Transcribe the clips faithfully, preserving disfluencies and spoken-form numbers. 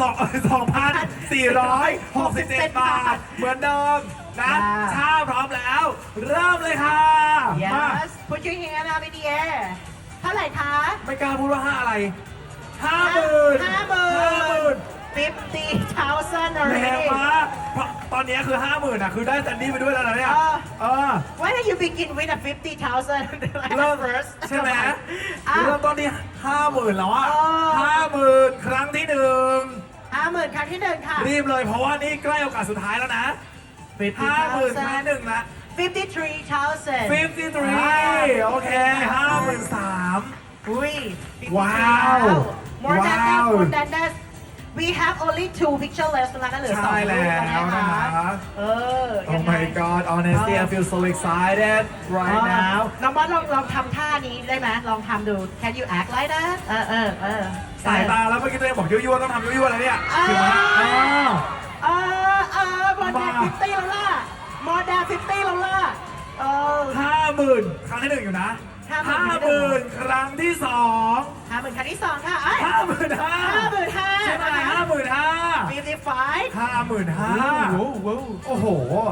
องสองพันสี่ร้อยหกสิบเจ็ดบาท เหมือนเดิมนะชาพร้อมแล้ว เริ่มเลยค่ะมา Yes put your hand up in the air เท่าไหร่คะไม่กล้าพูดว่าห้าอะไรห้าหมื่นห้าหมื่นห้าหมื่น fifty thousand แรง already มากเพราะตอนนี้คือห้าหมื่นอ่ะคือได้แซนดี้ไปด้วยแล้วนะเนี่ยเออเออ Why don't you begin with a fifty thousand เริ่ม first ใช่ไหมอ่ะเริ่มต้นที่ห้าหมื่นแล้วอ่ะเออห้าหมื่นครั้งที่หนึ่งห้าหมื่นครั้งที่หนึ่งค่ะรีบเลยเพราะว่านี่ใกล้โอกาสสุดท้ายแล้วนะห้าหมื่นครั้งหนึ่งละ fifty-three thousand ฟิฟตี้ทรีโอเคห้าหมื่นสามอุ้ยว้าว more than that ว้าว more than that we have only two picture left ตรงนั้นนะเหลือสองใช่แล้วรูปนะนะคะคะเออ Oh ยังไง my god honestly I feel so excited right เออ now น้องบอสลองลองทำท่านี้ได้ไหมลองทำดู Can you act like that เออเออเออสายตาแล้วเมื่อกี้ตัวเองบอกยั่วๆต้องทำยั่วๆอะไรเนี่ยเออถึงไหมอ้าวเออเออ more than มา fifty แล้วล่ะ more than fifty แล้วล่ะเออห้าหมื่นครั้งที่หนึ่งอยู่นะห้าห้าหหมื่มื่นนครั้งที่สองห้าหมื่นครั้งที่สองค่ะเอ้ยห้าหมื่นห้าห้าหมื่นห้าใช่ไหมห้าหมื่นห้า fifty-five ห้าหมื่นห้าโอ้โห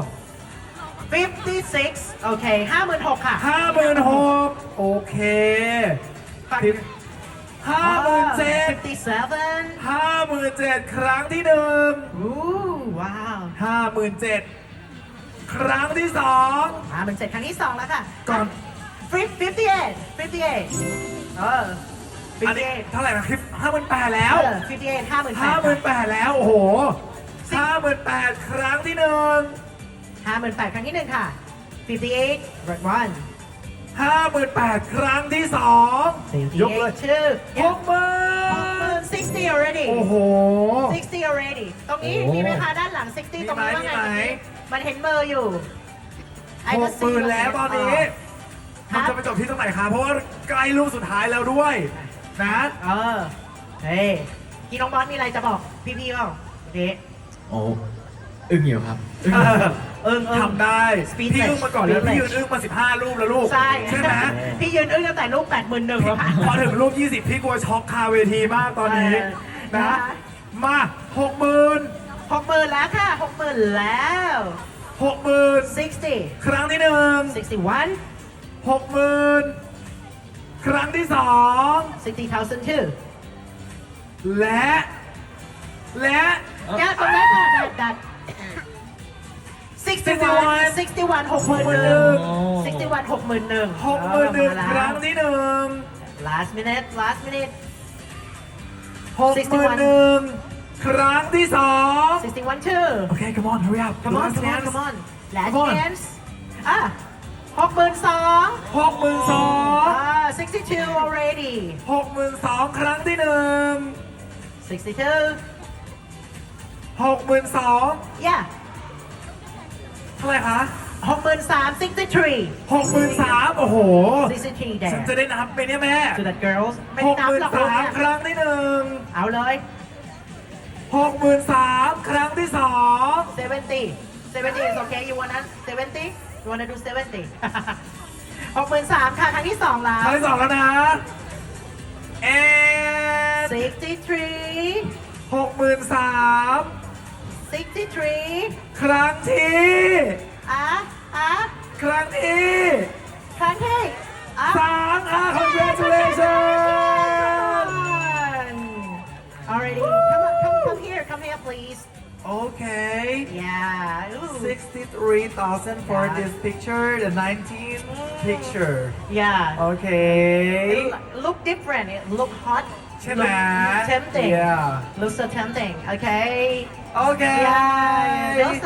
fifty-six โอเคห้าหมื่นหกค่ะห้าหมื่นหกโอเคฝั่งห้าหมื่นเจ็ด fifty-seven ห้าหมื่นเจ็ดครั้งที่หนึ่งอู้ว้าวห้าหมื่นเจ็ดครั้งที่สองห้าหมื่นเจ็ดครั้งที่สองแล้วค่ะก่อน fifty-eight fifty-eight เอออันนี้ fifty-eight เท่าไหร่นะคลิปห้าหมื่นแปดแล้วเออfifty-eight ห้าหมื่นแปห้าดหมื่นแปดแล้ว โอ้โหห้าหมื่นแปดครั้งที่หนึ่งห้าหมื่นแปดครั้งที่หนึ่งค่ะ fifty-eight red one ห้าหมื่นแปดครั้งที่สอง ยกเลย two หกหมื่น sixty already โอ้โห sixty already ตรงนี้โอ้มีไหมคะด้านหลัง sixty มีไหมตรงนี้ว่าไงมีไหมมันเห็นเบอร์อยู่ I ห just ก see หมื่นแล้วตอนนี้ครัมันบจะไปจบที่ตรงไหนคะเพราะว่าใกล้ลูกสุดท้ายแล้วด้วย นะเออ เฮ้ยพี่น้องบอสมีอะไรจะบอกพี่ๆเปล่าเด็กโอ้อึ้งอยู่ครับอึ้งเออเอิงเอิงทำได้ Speechless พี่อึ้งมาก่อนแล้ว Speechless พี่ยืนอึ้งมาสิบห้ารูปแล้วลูกใช่ใช่ไหมพี่ยืนอึ้งตั้งแต่ลูกแปดหมื่นหนึ่งแล้วค่ะพอถึงรูปยี่สิบพี่กลัวช็อกคาเวทีมากตอนนี้เออนะนะคะมาหกหมื่นหกหมื่นแล้วค่ะหกหมื่นแล้วหกหมื่น sixty ครั้งที่หนึ่ง sixty-one หกหมื่นครั้งที่สอง sixty thousand two และ และ yeah ตรงนั้นค่ะ that that sixty-one sixty-one หกหมื่นหนึ่ง sixty-one หกหมื่นหนึ่งหกหมื่นหนึ่งครั้งที่หนึ่ง last minute last minute หกหมื่นหนึ่งครั้งที่สอง sixty-one two โอเค come on hurry up come on Last come on chance come on last Come on chance อ่ะหกหมื่นสองหกหมื่นสองอ่า sixty-two already หกหมื่นสองครั้งที่หนึ่ง sixty-two หกหมื่นสอง yeah เท่าไหร่คะหกหมื่นสาม sixty-three หกหมื่นสามโอ้โห sixty-three ฉันจะ there ได้นับไหมเนี่ยแม่ to that girls ไม่หกนับหมื่นหรอกสามเนี่ยครั้งที่หนึ่งเอาเลยหกหมื่นสามครั้งที่สอง seventy seventy is okay you wanna seventy you wanna do seventy หกหมื่นสามค่ะครั้งที่สองแล้คว รั้งที่สองแล้วนะเอ็ด sixty-three หกหมื่นสาม sixty-three ครั้งที่อ่ะอ่ะครั้งที่ครั้งที่อ่ะสามอ่ะ congratulations already come on come come here come here please โอเค yeah ooh. sixty-three thousand for Yeah. this picture the nineteenth picture yeah โอเค it look different it look hot ใช่ไหม look tempting Yeah look so tempting okay โอเค yeah those